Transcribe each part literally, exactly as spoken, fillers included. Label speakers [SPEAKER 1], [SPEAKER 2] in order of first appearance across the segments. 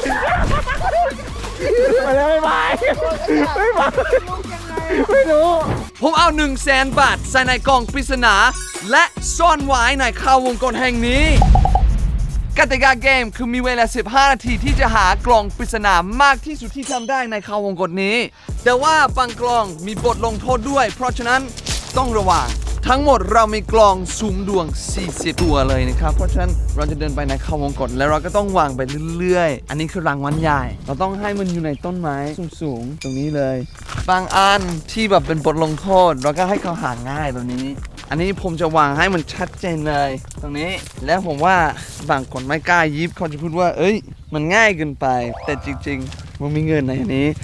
[SPEAKER 1] ไปเลยไม่ไปไม่ไปไม่รู้ผมเอาหนึ่งแสนบาทใส่ในกล่องปริศนาและซ่อนไว้ในข่าววงกตแห่งนี้กติกาเกมคือมีเวลาสิบห้านาทีที่จะหากล่องปริศนามากที่สุดที่ทำได้ในข่าววงกตนี้แต่ว่าบางกล่องมีบทลงโทษด้วยเพราะฉะนั้นต้องระวังทั้งหมดเรามีกล่องสุ่มดวงสี่สิบตัวเลยนะครับเพราะฉะนั้นเราจะเดินไปในข่าววงกตแล้วเราก็ต้องวางไปเรื่อยๆอันนี้คือรางวัลใหญ่เราต้องให้มันอยู่ในต้นไม้สูงๆตรงนี้เลยบางอันที่แบบเป็นบทลงโทษเราก็ให้เขาหาง่ายตรงนี้อันนี้ผมจะวางให้มันชัดเจนเลยตรงนี้แล้วผมว่าบางคนไม่กล้ายิบเขาจะพูดว่าเอ้ยมันง่ายเกินไปแต่จริงๆมันมีเงินในอันนี้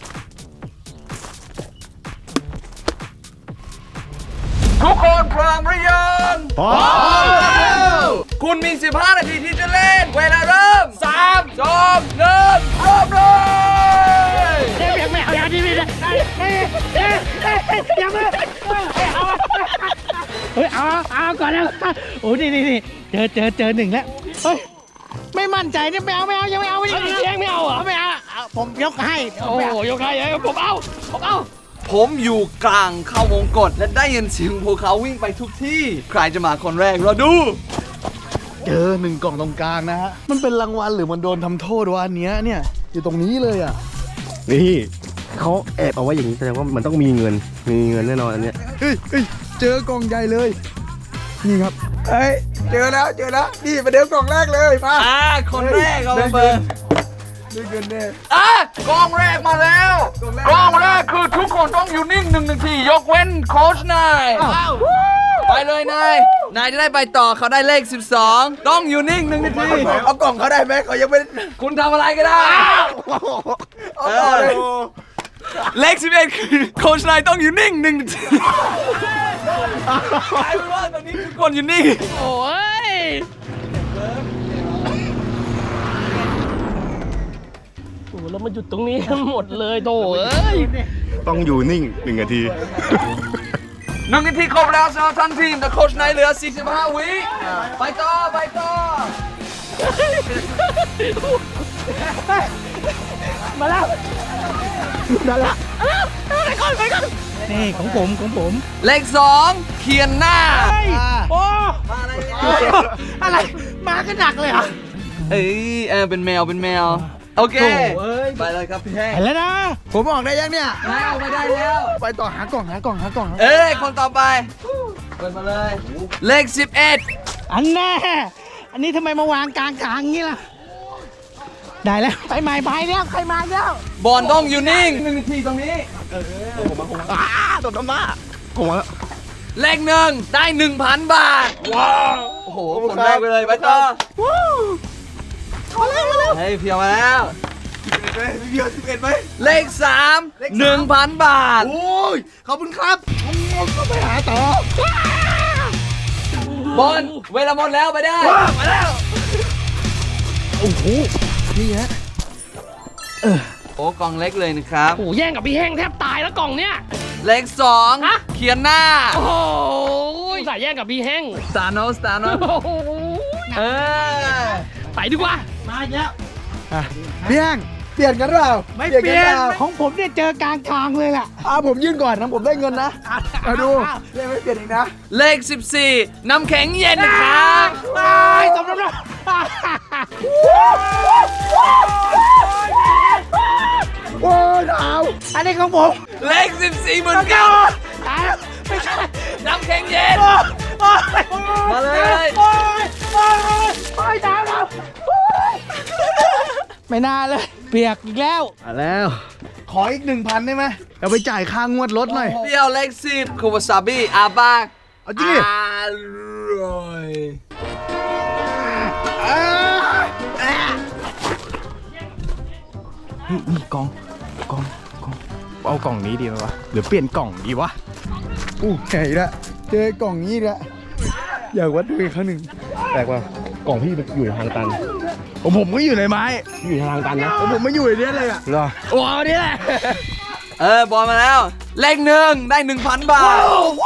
[SPEAKER 1] ทุกคนพร้อมหรือยังพร้อมแล้วคุณมีสิบห้านาทีที่จะเล่นเวลาเริ่มสาม สอง หนึ่งเริ่มเลย
[SPEAKER 2] เดี๋ยวไม่เอาอย่างนี้ไม่ได้เฮ้ยเฮ้ยเฮ้ยอย่ามาเอาเฮ้ยเอาเอาก่อนแล้วโอ้นี่นี่นี่เจอเจอเจอหนึ่งแล้วเฮ้ยไม่มั่นใจเนี่ยไม่เอาไม่เอายังไม่เอาไม่เอายังไม่เอาเหรอไม่เอาผมยกให้โอ้ยกให้ผมเอาผมเอา
[SPEAKER 1] ผมอยู่กลางเข้าวงกตและได้ยินเสียงพวกเขาวิ่งไปทุกที่ใครจะมาคนแรกเราดู
[SPEAKER 3] เจอหนึ่งกล่องตรงกลางนะฮะมันเป็นรางวัลหรือมันโดนทำโทษวะอันเนี้ยเนี่ยอยู่ตรงนี้เลยอ่ะ
[SPEAKER 4] นี่เขาแอบเอาไว้อย่างนี้แสดงว่ามันต้องมีเงินมีเงินแน่นอนอันเนี้ย
[SPEAKER 3] เฮ้ยเฮ้ยเจอกล่องใหญ่เลยนี่ครับเฮ้ยเจอแล้วเจอแล้วนี่มาเดิมกล่องแรกเลยมา
[SPEAKER 1] อ่าคนแรกเอามาเปิด
[SPEAKER 3] ได้เงินแน่
[SPEAKER 1] อ่ะกองแรกมาแล้วกองแรกคือทุกคนต้องอยู่นิ่งหนึ่งนาทียกเว้นโค้ชนายไปเลยนายนายจะได้ไปต่อเขาได้เลขสิบสองต้องอยู่นิ่งหนึ่งนาที
[SPEAKER 3] เอากล่องเขาได้ไหมเขายังไม่
[SPEAKER 1] คุณทำอะไรก็ได้
[SPEAKER 3] เอาต่อเลย
[SPEAKER 1] เลขสิบเอ็ดคือโค้ชนายต้องอยู่นิ่งหนึ่งนาทีใช่ไหมว่าตอนนี้ทุกคนอยู่นิ่ง
[SPEAKER 2] โอ้ยโอ้แล้วมันหยุดตรงนี้หมดเลยโถ่เอ้ย
[SPEAKER 4] ต้องอยู่นิ่งหนึ่งนาที
[SPEAKER 1] หนึ่งนาทีครบแล้วสำหรับทั้งทีมแต่โค้ชนายเหลือสี่สิบห้าวิไปต่อไปต่อ
[SPEAKER 2] มาแล้ว
[SPEAKER 3] นั่นละ
[SPEAKER 2] ไปก่อนไปก่อนนี่ของผมของผม
[SPEAKER 1] เลขสองเขียนหน้า
[SPEAKER 2] โอ้อะไรมาก็หนักเลยอ่ะ
[SPEAKER 1] เอ้ยเออเป็นแมวเป็นแมวโอเคไปเลยครับพี่แห้ง
[SPEAKER 2] ไปแล้วนะ
[SPEAKER 3] ผมออกได้ยังเนี่ย
[SPEAKER 1] นายออกไปได้แล้ว
[SPEAKER 3] ไปต่อหากล่องหากล่องหากล่อง
[SPEAKER 1] เอ้ยคนต่อไปเปิดมาเลยเลขสิบเอ็ด
[SPEAKER 2] อันแน่อันนี้ทำไมมาวางกลางกลางงี้ล่ะได้แล้วไปใหม่ไปแล้วใครมาแล้ว
[SPEAKER 1] บอลต้องอยู่นิ่งหนึ่งนาทีตรงนี้
[SPEAKER 3] เออผมมาผมมาอ้าตบน้ำหน้าผมมา
[SPEAKER 1] เลขหนึ่งได้หนึ่งพันบาทว้าวโอ้โหคนแรกไปเลยไปต่อ
[SPEAKER 2] มาแล้วมาแล้ว
[SPEAKER 1] เฮ้ยเพียวมาแล้ว
[SPEAKER 3] เพียวสิบเอ็ดไหม
[SPEAKER 1] เลขสามหนึ่งพันบาท
[SPEAKER 3] โอ้ยขอบคุณครับผมก็ไปหาต่
[SPEAKER 1] อบอลเวลาหมดแล้วไปได้
[SPEAKER 3] มาแล้วโอ้โหนี่ฮะ
[SPEAKER 1] โอ้กล่องเล็กเลยนะครับ
[SPEAKER 2] โอ้แย่งกับพี่แห้งแทบตายแล้วกล่องเนี้ย
[SPEAKER 1] เลขสองเขียนหน้า
[SPEAKER 2] โอ้โหสายแย่งกับพี่แห้ง
[SPEAKER 1] สตาร์โนสตาร์โนเออ
[SPEAKER 2] ไปดีกว่ามาแล้ว
[SPEAKER 3] พี่แห้งเปลี่ยนกันหรือเปล่า
[SPEAKER 2] ไม่เปลี่ยนของผมเนี่ยเจอกลางทางเลยล่ะ
[SPEAKER 3] อ่าผมยื่นก่อนนะผมได้เงินนะมาดูเลขไม่เปลี่ยนอีกนะ
[SPEAKER 1] เลขสิบสี่น้ำแข็งเย็นนะครับ
[SPEAKER 2] ไปตบน้ำหนัก
[SPEAKER 3] โอ้ยดาว
[SPEAKER 2] อันนี้ของผม
[SPEAKER 1] เลขสิบสี่เหมือนกัน
[SPEAKER 2] ไม่ใช่
[SPEAKER 1] น้ำแข็งเย็นมาเลย
[SPEAKER 2] โอ้ยโอ้ยโอ้ยดาวดาวไม่น่าเลยเปียกอีกแล้ว
[SPEAKER 3] มาแล้วขออีกหนึ่งพันได้ไหมเอาไปจ่ายค่างวดรถหน่อย
[SPEAKER 1] เดียวเลขสิบคูวาซาบิอาบาก
[SPEAKER 3] เอาจริงอ
[SPEAKER 1] ร่อย
[SPEAKER 3] นี่กล่องกล่องกล่องเอากล่องนี้ดีไหมวะหรือเปลี่ยนกล่องดีวะอู้ใหญ่ละเจอกล่องนี้ละอยากวัดดูอีกครั้งหนึ่ง
[SPEAKER 4] แปลกว่ากล่องพี่อยู่ทางตัน
[SPEAKER 3] ผมผมก็อยู่ในไม้
[SPEAKER 4] อยู่ทางตันนะ
[SPEAKER 3] ผมไม่อยู่ในนี้เลยอ่ะ
[SPEAKER 4] เหรอ
[SPEAKER 1] โอ้นี่แหละเออบอลมาแล้วเลขหนึ่งได้หนึ่งพันบาท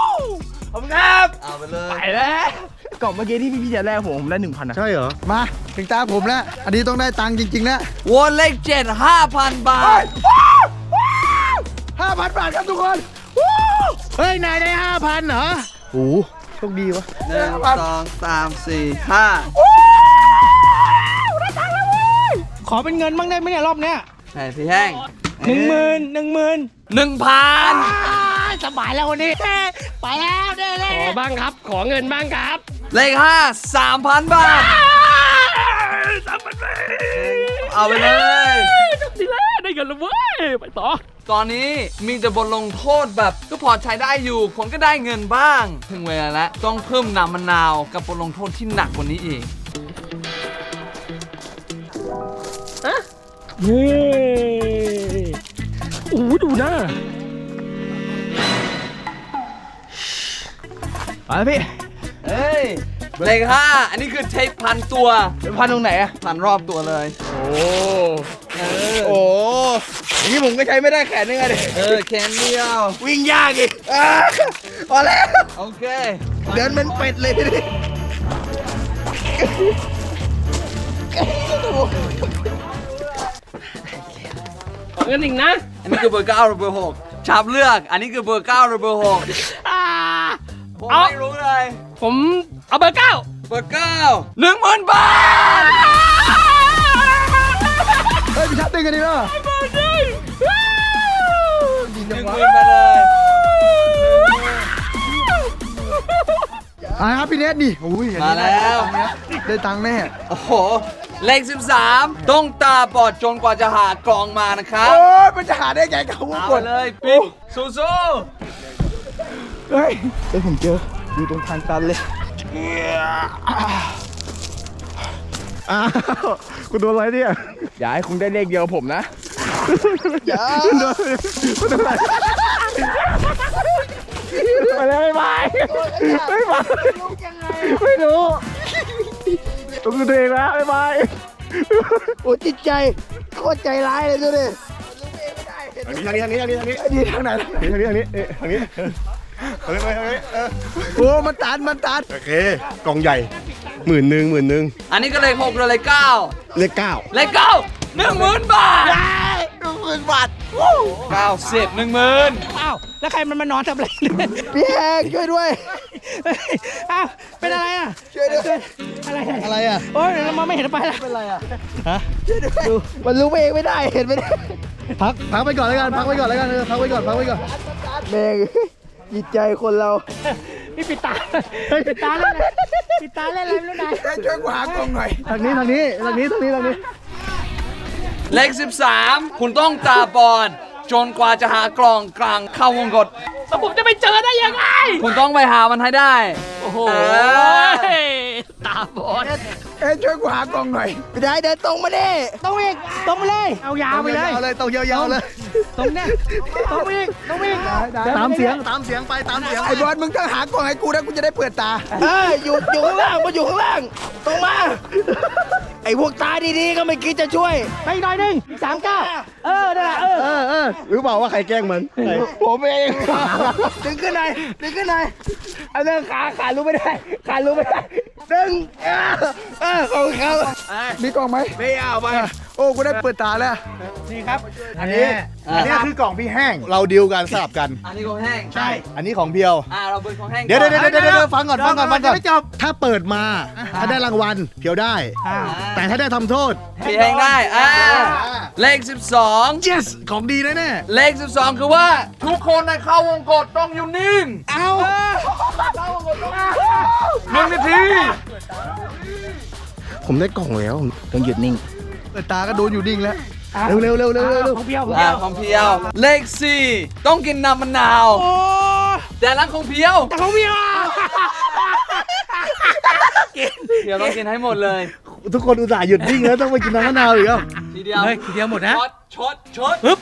[SPEAKER 3] ขอบคุณครับ
[SPEAKER 1] เอาไปเลย
[SPEAKER 3] ไปแล้วกล่องเมื่อกี้ที่พี่พี่จะแลกผมผมได้หนึ่งพันนะ
[SPEAKER 4] ใช่เหรอ
[SPEAKER 3] มาเถึงตาผมแล้ว อันนี้ต้องได้ตังค์จริงๆแล้ว
[SPEAKER 1] วนเลขเจ็ด ห้าพัน บาท
[SPEAKER 3] ห้าพันบาทครับทุกคน
[SPEAKER 2] เฮ้ย นายได้ห้าพันเหรอ
[SPEAKER 3] โอ้โชคดีวะ
[SPEAKER 1] หนึ่ง สอง สาม สี่ ห้า
[SPEAKER 2] ขอเป็นเงินบ้างได้ไหมเนี่ยรอบเนี้ย
[SPEAKER 1] ใช่พี่แห้ง
[SPEAKER 2] หนึ่งหมื่นหนึ่งหมื่น
[SPEAKER 1] หนึ่งพัน
[SPEAKER 2] สบายแล้ววันนี้ ไปแล้วเด้เลยขอบ้างครับ ขอเงินบ้างครับ
[SPEAKER 1] เลขห้า สามพัน บาท
[SPEAKER 2] สามพันบาท
[SPEAKER 1] เอาไปเลย
[SPEAKER 2] จบสิแล้วได้เงินแล้วเว้ย ไปต่อ
[SPEAKER 1] ตอนนี้มีแต่บทลงโทษแบบก็พอใช้ได้อยู่คนก็ได้เงินบ้าง ถึงเวลาแล้วต้องเพิ่มน้ำมะนาวกับบทลงโทษที่หนักกว่านี้อีก
[SPEAKER 2] เฮ้ยโอ้ดูหน้า
[SPEAKER 3] ไปพี่
[SPEAKER 1] เฮ้ย เลขห้า อันนี้คือเทปพันตัว
[SPEAKER 3] พันตรงไหนอะ
[SPEAKER 1] พันรอบตัวเลย
[SPEAKER 3] โอ้โอ้อย่างนี้ผมก็ใช้ไม่ได้แขนนึงอะดิ
[SPEAKER 1] เออแค่เดียว
[SPEAKER 3] วิ่งยากอีกอ่าพอแล้ว
[SPEAKER 1] โอเค
[SPEAKER 3] เดินเป็นเป็ดเลยดิ
[SPEAKER 2] ขอเงินอีกนะ
[SPEAKER 1] อันนี้คือเบอร์เก้าหรือเบอร์หกชาบเลือก อันนี้คือเบอร์เก้าหรือเบอร์หก
[SPEAKER 2] อ่า
[SPEAKER 1] ผม
[SPEAKER 2] เอา
[SPEAKER 1] ไม่รู้เลย
[SPEAKER 2] ผมเอาเบอร์เก้า
[SPEAKER 1] เบอร์เก้าหนึ่งหมื่นบาท
[SPEAKER 3] เฮ้ยพี่ชัดตึงกันดีเนาะ
[SPEAKER 1] หนึ่งหมื่นมาเลย
[SPEAKER 3] อ่าครับพี่เนทนี่โอ้ยอัน
[SPEAKER 1] มา
[SPEAKER 3] นี้
[SPEAKER 1] แล้ว
[SPEAKER 3] ได้ตังค์แน่
[SPEAKER 1] โอ้โห เลขสิบสามต้องตาบอดจนกว่าจะหากลองมานะครับ
[SPEAKER 3] โอ้ยมันจะหาได้ไงกับวง
[SPEAKER 1] เอา
[SPEAKER 3] ก
[SPEAKER 1] ไป
[SPEAKER 3] ด
[SPEAKER 1] เลยปิ๊กสู้
[SPEAKER 3] เฮ้ยเฮ้ยผมเจออยู่ตรงทางตันเลยอ้าวคุณโดนอะไรเนี่ยอย่าให้คุณได้เลขเดียวกับผมนะอย่าโดนโดนอะไรไปเลยไม่ไปไม่ไปไม่รู้ต้องดูตัวเองนะไม่ไปโอ้จิตใจโคตรใจร้ายเลยดูดิทางนี้ทางนี้ทางนี้ทางนี้ทางนี้ทางไหนทางนี้ทางนี้ทางนี้ทางนี้ทางนี้ทางนี้โอ้มันตันมันตัน
[SPEAKER 4] โอเค กล่องใหญ่หมื่นหนึ่งหมื่นหนึ่ง
[SPEAKER 1] ๆอันนี้ก็เลขหกหรือเลขเก้า
[SPEAKER 4] เลขเก้า
[SPEAKER 1] เลขเก้าหนึ่งหมื่นบาท
[SPEAKER 3] หนึ่งหมื่นบาท
[SPEAKER 1] เก้าสิบหนึ่งหมื่น
[SPEAKER 2] อ้าว แล้วใครมันมานอนทำอะไรเนี่ย
[SPEAKER 3] พี่แองช่วยด้วย
[SPEAKER 2] อ้าว เป็นอะไรอ่ะ
[SPEAKER 3] ช่วยด้วย
[SPEAKER 2] อะไร
[SPEAKER 3] อะไรอ่ะ
[SPEAKER 2] โอ้ยเรามาไม่เห็นไปแล้ว
[SPEAKER 3] เป็นไรอ่ะฮะช่วยด้วยมันรู้เองไม่ได้เห็นไม่ได้พักพักไปก่อนแล้วกันพักไปก่อนแล้วกันเออพักไปก่อนพักไปก่อนแม่งจิตใจคนเรา
[SPEAKER 2] นี่ปิดตาปิดตาเล่นอะไรปิดตาเล่นอะไรไม่รู้นาย
[SPEAKER 3] ช่วยกูหากล่องหน่อยทางนี้ทางนี้ทางนี้ทางนี้ทางนี้
[SPEAKER 1] เลขสิบสามคุณต้องตาบอดจนกว่าจะหากล่องกลางเข้าวงกฏ
[SPEAKER 2] แล้วผมจะไปเจอได้ยังไง
[SPEAKER 1] คุณต้องไปหามันให้ได้
[SPEAKER 2] โอ้โห
[SPEAKER 1] เออ
[SPEAKER 2] ตาบอด
[SPEAKER 3] เอ้ยช่วยกูหากล่องหน่อยไม่ได้เดินตรงมาดิ
[SPEAKER 2] ต้องอีกตรงไปเลย เอายาวไปเลย
[SPEAKER 3] ยาวเลยตรงยาวๆเลย
[SPEAKER 2] ตรงเนี้ยตรงอีกตรงอีก
[SPEAKER 3] ตามเสียงตามเสียงไปตามเสียงไอ้บอลมึงต้องหากล่องให้กูนะกูจะได้เปิดตาเอออยู่อยู่ข้างล่างมาอยู่ข้างล่างตรงมาไอ้พวกตาดีๆก็ไม่คิดจะช่วย
[SPEAKER 2] ไปอีกหน่อยหนึงสามเก้าเออนั่นแหละเออ
[SPEAKER 3] เออเออรู้เปล่าว่าใครแกล้งมันผมเองดึงขึ้นหน่อยดึงขึ้นหน่อยเอาเรื่องขาขารู้ไม่ได้ขารู้ไม่ได้ดึงเออเออของเขามีกล่องไหมไม่เอาไปโอ้กูได้เปิดตาแล้ว
[SPEAKER 2] นี่ครับ
[SPEAKER 3] อันนี้อันนี้คือกล่องพี่แห้งเราดีลกันสลับกัน
[SPEAKER 1] อันนี้ของแห้ง
[SPEAKER 3] ใช่ อันนี้ของเพียว
[SPEAKER 1] อ่าเราเป็นของแห้ง
[SPEAKER 3] เดี๋ยว
[SPEAKER 1] ก่
[SPEAKER 3] เดี๋
[SPEAKER 1] อย
[SPEAKER 3] วน เดี๋ยวเดี๋ยวเดี๋ยวฟังก่อนฟังก่อนฟังก่อน
[SPEAKER 2] ไม่จบ
[SPEAKER 3] ถ้าเปิดมาถ้าได้รางวัลเพียวได้ แต่ถ้าได้ทำโทษ
[SPEAKER 1] พี่แห้งได้อ่าเลขสิบสอง
[SPEAKER 3] yes ของดีแน่แน่
[SPEAKER 1] เลขสิบสองคือว่าทุกคนในเข้าวงกฏต้องอยู่นิ่ง
[SPEAKER 3] เอา
[SPEAKER 1] หนึ่งนาที
[SPEAKER 4] ผมได้กล่องแล้วต้องหยุดนิ่ง
[SPEAKER 3] เปิดตาก็โดนอยู่ดิ่งแล้วเร็วเร็วเร็วเร็วเร็ว
[SPEAKER 2] ของเพียวของ
[SPEAKER 1] อ่า
[SPEAKER 2] เพียว
[SPEAKER 1] ของเพียว เลขสี่ต้องกินน้ำมะนาว
[SPEAKER 2] โอ้
[SPEAKER 1] แต่ร้านของเพียว
[SPEAKER 2] แต่ของเพียว
[SPEAKER 1] เพียวต้องกินให้หมดเลย
[SPEAKER 3] ทุกคนอุตส่าห์หยุดนิ่งแล้วต้องไปกินน้ำมะนาวอีกแล้ว
[SPEAKER 1] ทีเดียว
[SPEAKER 2] เฮ้ยทีเดียวหมดนะ
[SPEAKER 1] ชดชดชด
[SPEAKER 2] ปึ๊บ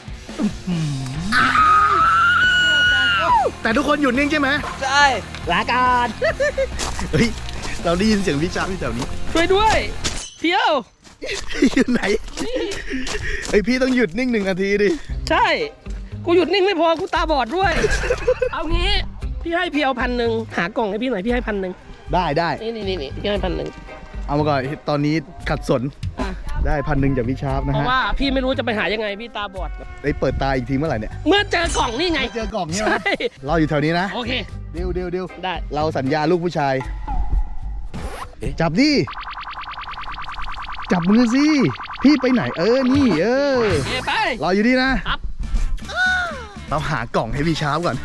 [SPEAKER 3] แต่ทุกคนหยุดนิ่งใช่ไหม
[SPEAKER 1] ใช่
[SPEAKER 2] ลาการ
[SPEAKER 3] เฮ้ยเราได้ยินเสียงวิจารณ์ที่แถวนี้
[SPEAKER 2] ช่วยด้วย เพียว
[SPEAKER 3] อยู่ไหนไอพี่ต้องหยุดนิ่งหนึ่งนาทีดิ
[SPEAKER 5] ใช่ กูหยุดนิ่งไม่พอ กูตาบอดด้วย เอางี้ พี่ให้เพียวพันหนึ่งหากล่องให้พี่หน่อย พี่ให้พันหนึ่ง
[SPEAKER 3] ได้ได้
[SPEAKER 5] นี่นี่นี่นี่พี่ให้พันหนึ่ง
[SPEAKER 3] เอามาก่อนตอนนี้ขัดสน
[SPEAKER 5] อ่ะ
[SPEAKER 3] ได้พันหนึ่งจากพี่ชาร์ปนะ
[SPEAKER 5] เพราะ
[SPEAKER 3] ฮะ
[SPEAKER 5] ว่าพี่ไม่รู้จะไปหายังไงพี่ตาบอด
[SPEAKER 3] ได้เปิดตาอีกทีเมื่อไหร่เนี่ย
[SPEAKER 5] เมื่อเจอกล่องนี่ไง
[SPEAKER 3] เจอกล่องใช่ไหม
[SPEAKER 5] ใช่
[SPEAKER 3] เราอยู่แถวนี้นะ
[SPEAKER 5] โอเค
[SPEAKER 3] ดิวดิวดิว
[SPEAKER 5] ได้
[SPEAKER 3] เราสัญญาลูกผู้ชาย จับดิจับมือสิพี่ไปไหนเออนี่เออ
[SPEAKER 5] โอเคไป
[SPEAKER 3] รออยู่ดีนะครับ เราหากล่องให้พี่ชาร์ปก่อน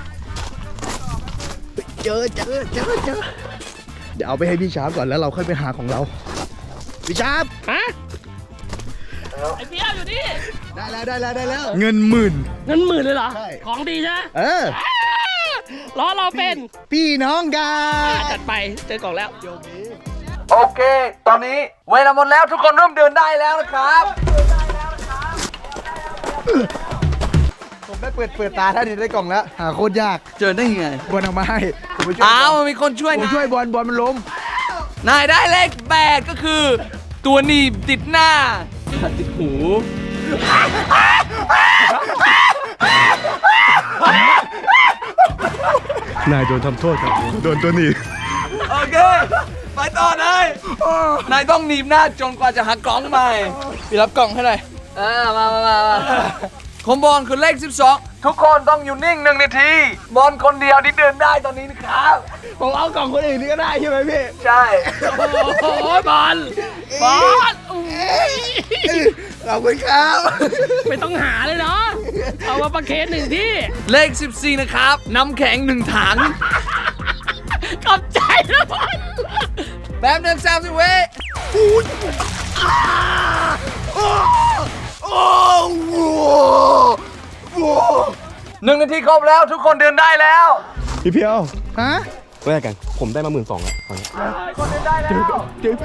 [SPEAKER 3] เจอเจอเจอเจอเดี๋ยวเอาไปให้พี่ชาร์ปก่อนแล้วเราค่อยไปหาของเราพี่ชาร์ป
[SPEAKER 5] ฮะไอ้เปี้ยวอยู่นี่
[SPEAKER 3] ได้แล้วได้แล้วได้แล้วเงินหมื่น
[SPEAKER 5] เงินหมื่นเลยเหรอ
[SPEAKER 3] ใช่
[SPEAKER 5] ของดีใช่ไหม
[SPEAKER 3] เออ
[SPEAKER 5] ล้อเราเป็น
[SPEAKER 3] พี่น้องกั
[SPEAKER 5] อ่ะ
[SPEAKER 3] น
[SPEAKER 5] จัดไปเจอกล่องแล้ว
[SPEAKER 1] โอเค ตอนนี้เวลาหมดแล้วทุกคนเริ่มเดินได้แล้วนะครับ
[SPEAKER 3] ผมได้เปิดเปิดตาท่านี้ได้กล่องแล้วหาโคตรยาก
[SPEAKER 1] เจอได้ยังไง
[SPEAKER 3] บอลเอามาให้ผมไปช่วย
[SPEAKER 1] อ้าวมันมีคนช่วย
[SPEAKER 3] ผม
[SPEAKER 1] นะ
[SPEAKER 3] ช่วยบอลบอลมันล้ม
[SPEAKER 1] นายได้เลขแปดก็คือ ตัวหนีบติดหน้าติดหู
[SPEAKER 3] นายโดนทำโทษครับโดนตัวหนี้
[SPEAKER 1] โอเค ไปต่อนายนายต้องหนีบหน้าจนกว่าจะหากล่องใหม่พี่รับกล่องให้หน่อยอ่ามามามามาของบอลคือเลขสิบสองทุกคนต้องอยู่นิ่งหนึ่งนาที บอลคนเดียวที่เดินได้ตอนนี้นะครับ
[SPEAKER 3] ผมเอากล่องคนอื่นนี่ก็ได้ใช่ไหมพี่
[SPEAKER 1] ใช่
[SPEAKER 5] โอ้โหบอลบอลอุ๊ย
[SPEAKER 3] ขอบคุณครับ
[SPEAKER 5] ไม่ต้องหาเลยเนาะเอามาประเคนหนึ่งที่
[SPEAKER 1] เลขสิบสี่นะครับน้ำแข็งหนึ่งถัง
[SPEAKER 5] ขอบใจนะบอล
[SPEAKER 1] แป๊บหนึ่งสามสิบเว
[SPEAKER 3] โอ้โห
[SPEAKER 1] หนึ่งนาทีครบแล้วทุกคนเดินได้แล้ว
[SPEAKER 4] พี่เพียว
[SPEAKER 3] ฮะ
[SPEAKER 4] แรกกัน ผมได้มาหมื่นสองแล้วตอนนี้
[SPEAKER 1] คนเดินได้แล้ว
[SPEAKER 3] เดี๋ยว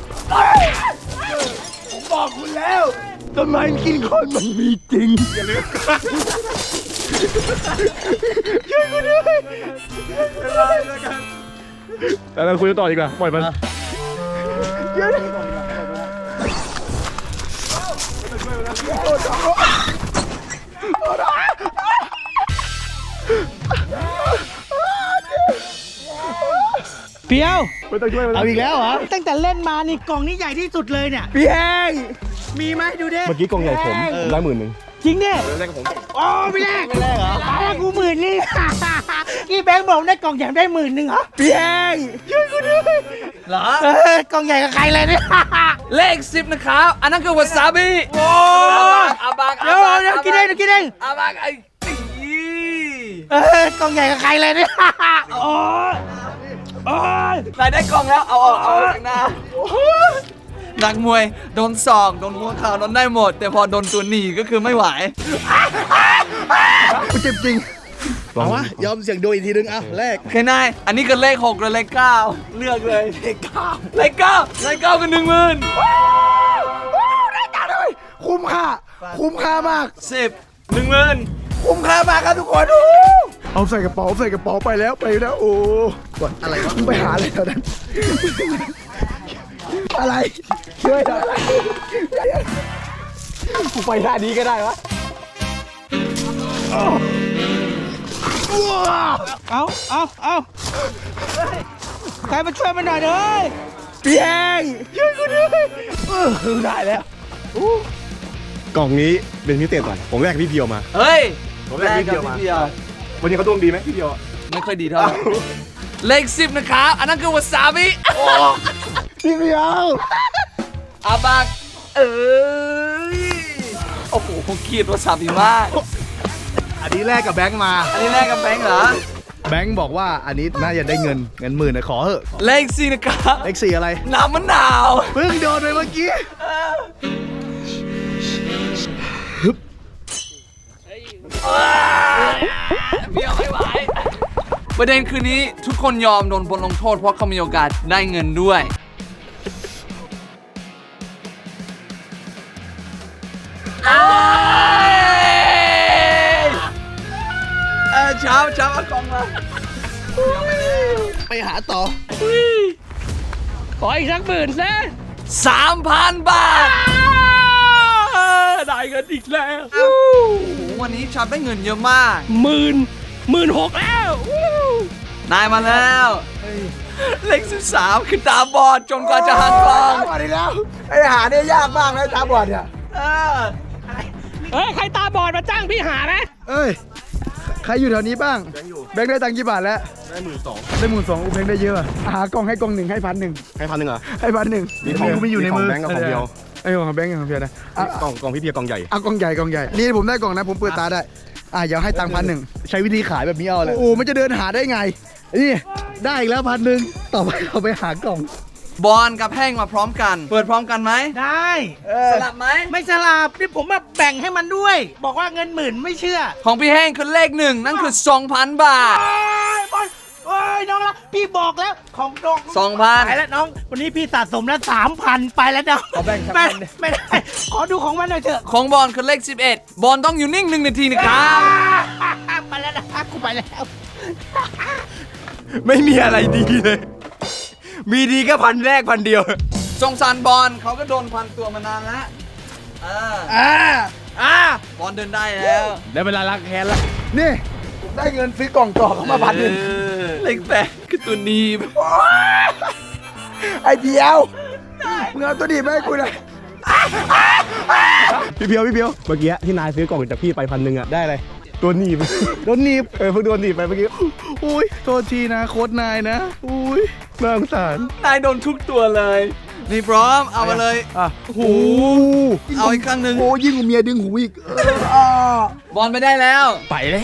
[SPEAKER 3] ผมบอกคุณแล้วต้นไม้กินคนมันมีจริงอย่าลืมช่วยกูด้วย
[SPEAKER 4] แต่เราคุยกันต่อดีกว่าปล่อยมัน
[SPEAKER 2] เปียว
[SPEAKER 4] ไม่ต้องช่วยมัน
[SPEAKER 3] เอาอีกแล้วเหรอ
[SPEAKER 2] ตั้งแต่เล่นมานี่กล่องนี้ใหญ่ที่สุดเลยเนี่ย
[SPEAKER 3] พี่แห้ง
[SPEAKER 2] มีไหมดูดิ
[SPEAKER 4] เมื่อกี้กองใหญ่ผมผมได้หมื่นหนึ่ง
[SPEAKER 2] จริงดิ
[SPEAKER 4] แรกกับผม
[SPEAKER 2] โอ้ไม่แรกไม่แรกเหรอตาแรกกูหมื่นนี่ กี่แบงค์บอกได้กล่องใหญ่ได้หมื่นหนึ่งเหรอ
[SPEAKER 3] พี่แห้งช่วยกูด้วย
[SPEAKER 1] เหรอ
[SPEAKER 2] เออกล่องใหญ่กับใครเลยเนี่ย
[SPEAKER 1] เลขสิบนะครับอันนั้นคือวาซาบิโอ้อาบัก
[SPEAKER 2] เดี๋ยวเดี๋ยวกินเองเดี๋ยวกินเอง
[SPEAKER 1] อาบักไอ้ตี
[SPEAKER 2] เออกล่องใหญ่กับใครเลยเนี่ยโอ้ยโอ้ย
[SPEAKER 1] นายได้กล่องแล้วเอาออกเอาออกจากหน้านักมวยโดนศอกโดนหัวเข่าโดนได้หมด แต่พอโดนตัวหนีก็คือไม่ไหว
[SPEAKER 3] กูเจ็บจริงเอาวะยอมเสี่ยงดูอีกทีนึงอ่ะแรก
[SPEAKER 1] โอเคนายอันนี้คือเลขหกหรือเลขเก้าเลือกเลยเลขเก้าเลขเก้าเลขเก้าคือหนึ่งหมื่น
[SPEAKER 3] ได้จังเลยคุ้มค่าคุ้มค่ามาก
[SPEAKER 1] สิบหนึ่งหมื่น
[SPEAKER 3] คุ้มค่ามากครับทุกคนเอาใส่กระเป๋าใส่กระเป๋าไปแล้วไปแล้วโอ้กดอะไรวะมึงไปหาอะไรแถวนั้น อะไรช่วยหน่อยกูไปท่านี้ก็ได้วะ
[SPEAKER 2] เอาเอาเอาใครมาช่วยมันหน่อยเลย
[SPEAKER 3] พี่แห้งช่วยกูด้วยเออได้แล้ว
[SPEAKER 4] กล่องนี้เป็นพิเศษก่อน ผมแรกกับพี่เพียวมา
[SPEAKER 1] เฮ้ย
[SPEAKER 4] ผมแรกพี่เพียวมา
[SPEAKER 1] แรกกับพี่เพียว
[SPEAKER 4] วันนี้เขาดวงดีไหมพี่เพียวอะ
[SPEAKER 1] ไม่ค่อยดีเท่าไหร่เลขสิบนะครับอันนั้นคือวาซาบิ
[SPEAKER 3] พี่เพียว
[SPEAKER 1] อาบักเอ้ยโอ้โหผมเกลียดวาซาบิมาก
[SPEAKER 3] อันนี้แลกกับแบงค์มา
[SPEAKER 1] อันนี้แรกกับแบงค์เหรอ
[SPEAKER 3] แบงค์บอกว่าอันนี้น่าจะได้เงินเงินหมื่นนะขอเถอะ
[SPEAKER 1] เลขสี่นะครับ
[SPEAKER 3] เลขสี่อะไร
[SPEAKER 1] น้ำมะนาว
[SPEAKER 3] เพิ่งโดนไปเมื่อกี้
[SPEAKER 1] เบี้ยวไม่ไหวประเด็นคือนี้ทุกคนยอมโดนบทลงโทษเพราะเขามีโอกาสได้เงินด้วยเออเช้าเช้าเอากล่องมา
[SPEAKER 3] ไปหาต่อ
[SPEAKER 5] ขออีกสักหมื่นซะ
[SPEAKER 1] สามพันบาท
[SPEAKER 5] ได้เงินอีกแล้ว
[SPEAKER 1] โอ้โหวันนี้ชาร์ปได้เงินเยอะมาก
[SPEAKER 5] หมื่นหมื่นหกแล้ววู้
[SPEAKER 1] นายมาแล้วเลขสิบสามคือตาบอดจนกว่าจะหันกล้อง
[SPEAKER 3] ตาบอดอีกแล้วไอ้หาเนี่ยยากมากนะตาบอดเนี่ย
[SPEAKER 1] เออ
[SPEAKER 5] เฮ้ย ใครตาบอดมาจ้างพี่หาไหม
[SPEAKER 3] เอ้ยใครอยู่แถวนี้บ้างแบงค์ได้ตังค์กี่บาทแล้ว
[SPEAKER 4] ได้หมื่นสอง
[SPEAKER 3] ได้หมื่นสองแบงค์ได้เยอะอะหากล่องให้กล่องหนึ่งให้พันหนึ่ง
[SPEAKER 4] ให้พันหนึ่งเหรอ
[SPEAKER 3] ให้พันหนึ่ง
[SPEAKER 4] มีของ
[SPEAKER 3] ไม่อยู่ในมือ
[SPEAKER 4] มีของแบงค์กับของเดียว
[SPEAKER 3] ไอ้ของแบงค์กับของเพียวนะอ่ะ
[SPEAKER 4] กล่องกล่องพี่เพียกล่องใหญ่
[SPEAKER 3] เอากล่องใหญ่กล่องใหญ่นี่ผมได้กล่องนะผมเปิดตาได้อ่ะเดี๋ยวให้ตังค์พันหนึ่งใช้วิธีขายแบบนี้เอาเลยโอ้มันจะเดินหาได้ไงนี่ได้อีกแล้วพันหนึ่งต่อไปเอาไปหากล่อง
[SPEAKER 1] บอลกับแห้งมาพร้อมกัน เปิดพร้อมกันไหม
[SPEAKER 2] ได้
[SPEAKER 1] สลับไหม
[SPEAKER 2] ไม่สลับนี่ผมมาแบ่งให้มันด้วย บอกว่าเงินหมื่นไม่เชื่อ
[SPEAKER 1] ของพี่แห้งคือเลขหนึ่งนั่นคือ สองพัน บาท
[SPEAKER 2] โอ้ยบอลโอ้ยน้องละพี่บอกแล้วของน้อง
[SPEAKER 1] สองพัน
[SPEAKER 2] ไปแล้วน้อง วันนี้พี่สะสมแล้วสามพันไปแล้วน้อง
[SPEAKER 3] ขอแบ่งสัก
[SPEAKER 2] ไม่
[SPEAKER 3] พันดิ
[SPEAKER 2] ไม่ได้ ขอดูของมันหน่อยเถอะ
[SPEAKER 1] ของบอลคือเลขสิบเอ็ดบอลต้องอยู่นิ่งหนึ่งนาทีนะครับ
[SPEAKER 2] ไปแล้วนะกูไปแล้ว
[SPEAKER 4] ไม่มีอะไรดีเลย มีดีแค่พันแรกพันเดียว
[SPEAKER 1] สงสารบอลเขาก็โดนพันตัวมานานแล้วอ่า
[SPEAKER 3] อ่าอ่า
[SPEAKER 1] บอลเดินได้แล้ว
[SPEAKER 3] ได้เวลาล้างแค้นแล้วนี่ผมได้เงินซื้อกล่องต่อเข้ามาพันหนึ่ง
[SPEAKER 1] เออเลขแปดคือตัวหนีบ
[SPEAKER 3] ไอ้เดียวมึงเอาตัวดีมาให้กูเลย
[SPEAKER 4] พี่เพียวพี่เพียวเมื่อกี้ที่นายซื้อกล่องจากพี่ไปพันหนึ่งอะได้อะไรตัวหนีบโดนหนีบเออเพิ่งโดนหนีบไปเมื่อกี้
[SPEAKER 3] อุ้ยโทษทีนะโค้ดนายนะอุ้ย
[SPEAKER 4] น่าสงสาร
[SPEAKER 1] นายโดนทุกตัวเลย นี่พร้อมเอามาเลย
[SPEAKER 3] อ่ะ
[SPEAKER 1] โอ้โหเอาอีกครั้งหนึ่ง
[SPEAKER 3] โอ้ยิ่งกว่าเมียดึงหูอีกเอออ่า
[SPEAKER 1] บอลไปได้แล้ว
[SPEAKER 4] ไปเลย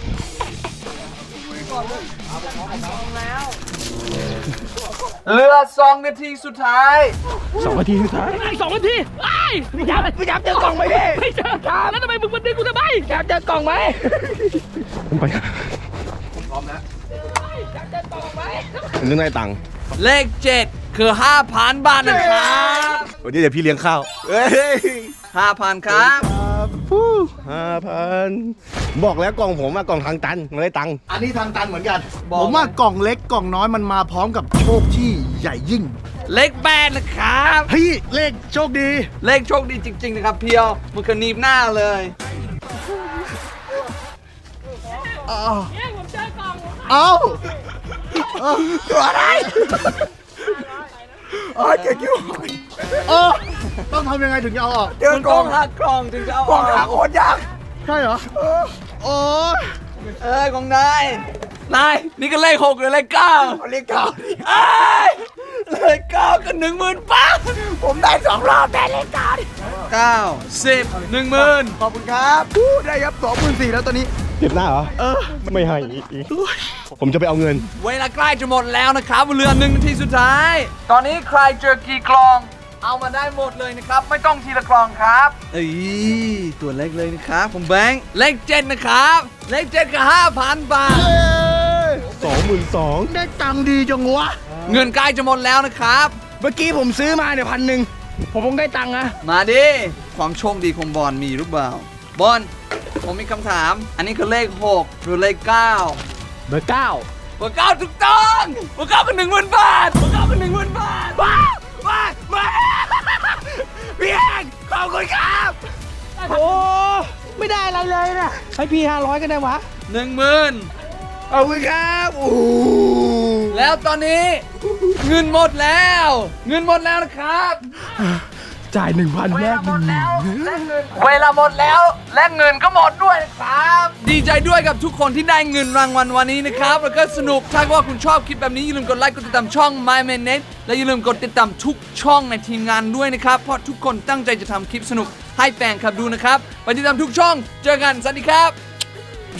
[SPEAKER 1] เหลือสองนาทีสุดท้าย
[SPEAKER 4] สองนาทีสุดท้าย
[SPEAKER 5] ไอ้สองนาทีไอ้ไม่ยับไม่ยับเจอกล่องไหมดิไม่เจอแล้วทำไมมึงมาดึงกูทำไมอยากเจอกล่องไหม
[SPEAKER 4] ผมไปผมต้องได้ตังค์
[SPEAKER 1] เลขเจ็ดคือห้าพันบาทนะครับ
[SPEAKER 4] วันนี้เดี๋ยวพี่เลี้ยงข้าวเฮ้ย
[SPEAKER 1] ห้าพันครับ
[SPEAKER 4] ห้าพันบอกแล้วกล่องผมอะกล่องทางตันไม่ได้ตังค์
[SPEAKER 3] อันนี้ทางตันเหมือนกัน
[SPEAKER 1] บอก
[SPEAKER 3] ผมว่ากล่องเล็กกล่องน้อยมันมาพร้อมกับโชคที่ใหญ่ยิ่ง
[SPEAKER 1] เลขแปดนะครับ
[SPEAKER 3] เฮ้ยเลขโชคดี
[SPEAKER 1] เลขโชคดีจริง ๆ นะครับเพียวมันคือหนีบหน้าเลย
[SPEAKER 5] เนี่ยผมเจอกล่อง
[SPEAKER 3] เอ้าเอ้าตัวอะไรเออเจ๊กิ้วเออต้องทำยังไงถึงจะเอาออกเจอ
[SPEAKER 1] มัน
[SPEAKER 3] ก
[SPEAKER 1] ก
[SPEAKER 3] ล่
[SPEAKER 1] ล้
[SPEAKER 3] อ
[SPEAKER 1] อง งหักกล่องถึงจะเอา
[SPEAKER 3] กล่อง
[SPEAKER 1] อ
[SPEAKER 3] หา
[SPEAKER 1] อก
[SPEAKER 3] โคตรยากใช่เหรอเออโอ้ย
[SPEAKER 1] เอ้ยของนาย นาย นี่ก็เลขหกหรือเลขเก้า
[SPEAKER 3] เลขเก้า
[SPEAKER 1] เอ้ยเลขเก้าก็หนึ่งหมื่นบาท
[SPEAKER 3] ผมได้สองรอบแต่เลขเก้าดิ
[SPEAKER 1] เก้าสิบหนึ่งหมื่น
[SPEAKER 3] ขอบคุณครับอู้ได้ครับสองหมื่นสี่แล้วตอนนี้
[SPEAKER 4] เจ็บหน้าเหรอ เออ ไม่ให้อีกผมจะไปเอาเงิน
[SPEAKER 1] เวลาใกล้จะหมดแล้วนะครับเหลือหนึ่งนาทีสุดท้าย ตอนนี้ใครเจอกี่กล่อง เอามาได้หมดเลยนะครับ ไม่ต้องทีละกล่องครับเอ้ยตัวเล็กเลยนะครับผมแบงค์เลขเจ็ดนะครับ เลขเจ็ดก็ห้าพันบาท
[SPEAKER 4] สองหมื่นสอง
[SPEAKER 3] ได้ตังค์ดีจังวะ
[SPEAKER 1] เงินใกล้จะหมดแล้วนะครับ
[SPEAKER 3] เมื่อกี้ผมซื้อมาเนี่ยพันหนึ่งผมคงได้ตังค์นะ
[SPEAKER 1] มาดิ ความโชคดีของบอลมีหรือเปล่า บอลผมมีคำถาม อันนี้คือเลขหกหรือเลขเก้า
[SPEAKER 4] เบอร์เก้า
[SPEAKER 1] เบอร์เก้าถูกต้องเบอร์เก้าเป็นหนึ่งหมื่นบาทเบอร์เก้าเป็นหนึ่งหมื่นบาทว้าวว้าวว้าวพี่แองขอบคุณครับ
[SPEAKER 2] โอ้ไม่ได้อะไรเลยนะให้พี่ห้าร้อยก็ได้วะ
[SPEAKER 1] หนึ่งหมื่น
[SPEAKER 3] ขอบคุณครับโอ้
[SPEAKER 1] แล้วตอนนี้ เงินหมดแล้ว เงินหมดแล้วนะครับ
[SPEAKER 3] จ่ายหนึ่งพันแรกหนึ่ง
[SPEAKER 1] เวลาหมดแล้วและเงินก็หมดด้วยนะครับ ดีใจด้วยกับทุกคนที่ได้เงินรางวัลวันนี้นะครับ แล้วก็สนุกถ้าว่าคุณชอบคลิปแบบนี้อย่าลืมกดไลค์กดติดตามช่อง My Man Net และอย่าลืมกดติดตามทุกช่องในทีมงานด้วยนะครับเพราะทุกคนตั้งใจจะทำคลิปสนุกให้แฟนคลับดูนะครับไปติดตามทุกช่องเจอกันสวัสดีครับ